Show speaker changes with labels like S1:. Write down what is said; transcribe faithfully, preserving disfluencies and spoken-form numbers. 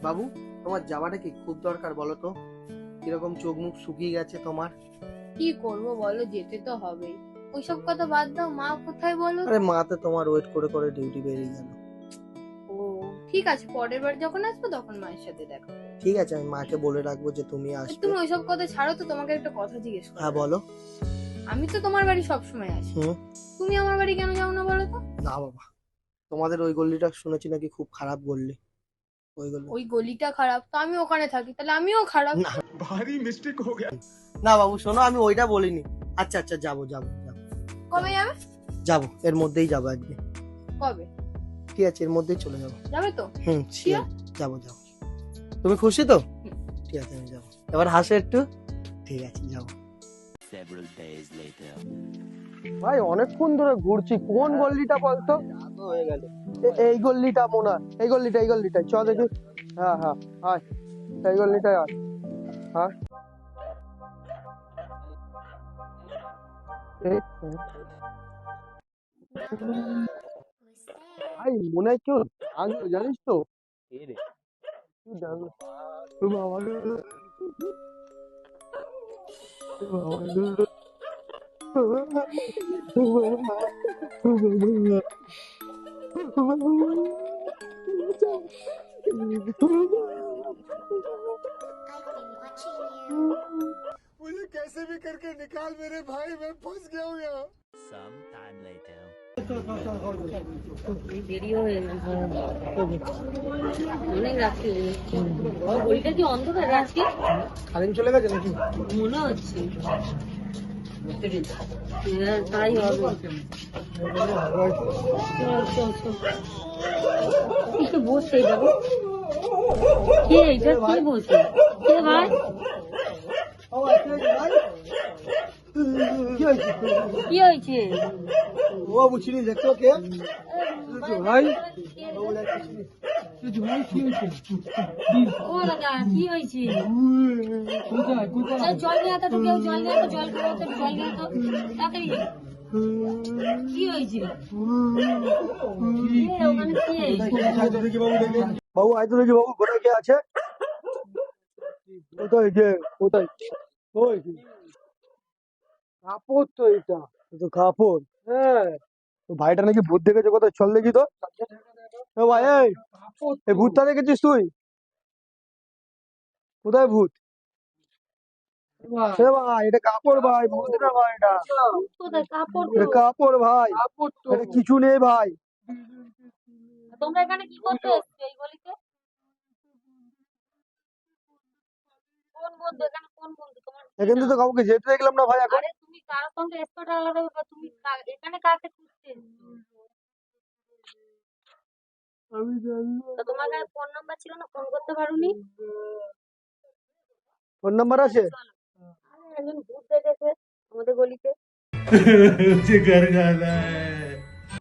S1: বাবু, তোমার যাওয়াটা কি খুব দরকার বলো তো? কিরকম চোখ মুখ শুকিয়ে গেছে তোমার।
S2: কি করব বলো, যেতে তো হবেই। ওইসব কথা বাদ দাও, মা কোথায় বলো তো?
S1: আরে মা তো তোমার ওয়েট করে করে ডিউটি বেরিয়ে গেল।
S2: ও ঠিক আছে, পরের বার যখন আসবো তখন মায়ের সাথে দেখা করবো।
S1: ঠিক আছে, আমি মাকে বলে রাখবো যে তুমি আসবে।
S2: তুমি ওইসব কথা ছাড়ো তো, তোমাকে একটা কথা জিজ্ঞেস করো।
S1: হ্যাঁ বলো।
S2: আমি তো তোমার বাড়ি সবসময় আসি,
S1: হুম।
S2: তুমি আমার বাড়ি কেন যাও না বলো তো?
S1: না বাবা, তোমাদের ওই গল্লিটা শুনেছি নাকি খুব খারাপ গল্লি। ওই গল্লি
S2: ওই গলিটা খারাপ তো আমি ওখানে থাকি, তাহলে আমিও খারাপ?
S1: না
S3: भारी मिस्टेक हो गया।
S1: না বাবু শোনো, আমি ওইটা বলিনি। আচ্ছা আচ্ছা, যাবো যাবো যাবো
S2: কবে যাবে?
S1: যাবো, এর মধ্যেই যাবো একদিন।
S2: কবে
S1: ঠিক আছে, এর মধ্যেই চলে যাবো।
S2: যাবে তো?
S1: হুম শিওর, যাবো যাবো। তুমি খুশি তো? ঠিক আছে, আমি যাবো। এবার হাসো একটু। ঠিক আছে, যাবো।
S4: Several days later.
S1: ভাই অনেকক্ষণ ধরে ঘুরছি, কোন গল্লিটা বলতো? হয়ে গেল। এই গল্লিটা মনে হয়, এই গল্লিটা এই গল্লিটা চ দেখি। হ্যাঁ হ্যাঁ, আয় এই গল্লিটায় আয়। হ্যাঁ এই, ভাই মনে হয় কেউ ডাকলো, জানিস তো? কেউ ডাকলো। ও বাবা রে, ও বাবা রে, ও বাবা রে, ও বাবা রে, ও বাবা রে।
S3: मुझे कैसे भी करके निकाल मेरे भाई, मैं फंस गया हूँ यहाँ।
S4: Some time later.
S2: দেরিও হয়ে গেছে, অনেক রাত্রি হয়ে গেছে। গলিটা কি অন্ধকার রাত্রি?
S1: কারেন্ট চলে গেছে নাকি?
S2: মনে হচ্ছে হ্যাঁ, তাই হবে। চল, চল, চল। একটু বসে যাবো। কে এটা, কে বসে? কে ভাই?
S1: কি হয়েছে?
S2: কি হয়েছে?
S1: ও বাবু চিনিস দেখতো কে? ভাই
S2: ও দাদা, কি হয়েছে? চল, জল নিয়ে আসো তো, কেউ জল নিয়ে আসো, জল খাওয়া তো, জল নিয়ে আসো তাড়াতাড়ি। কি হয়েছে? কে, ওখানে কে?
S1: বাবু আয় তো দেখি, বাবু কোথায় কে আছে? কোথায় কে? কোথায়? ওই কি কাপড় তো, এটা এ তো কাপড়। হ্যাঁ, তো ভাইটা নাকি ভূত দেখেছে কোথায়, চল দেখি তো। এ ভাই, এই এই ভূতটা দেখেছিস তুই? কোথায় ভূত? এ ভাই এটা কাপড় ভাই, ভূত না ভাই, এটা
S2: কোথায় কাপড়
S1: এটা
S2: তো?
S1: কাপড় ভাই, এটা কিছু নেই ভাই।
S2: তোমরা এখানে কি করতে এসছো এই গলিতে? কোন বন্ধু এখানে, কোন বন্ধু তোমার?
S1: এখান থেকে তো কাউকে যেতে দেখলাম না ভাই এখন।
S2: আরে তুমি কার সঙ্গে এসছো ওটা আলাদা ব্যাপার, তুমি কা- এখানে কাকে খুঁজতে এসছো?
S1: আমি জানি না।
S2: তো তোমার কাছে ফোন নাম্বার ছিল না, ফোন করতে পারোনি?
S1: ফোন নাম্বার আছে?
S2: আরে একজন ভূত দেখেছে আমাদের গলিতে।
S3: मुझे घर जाना है।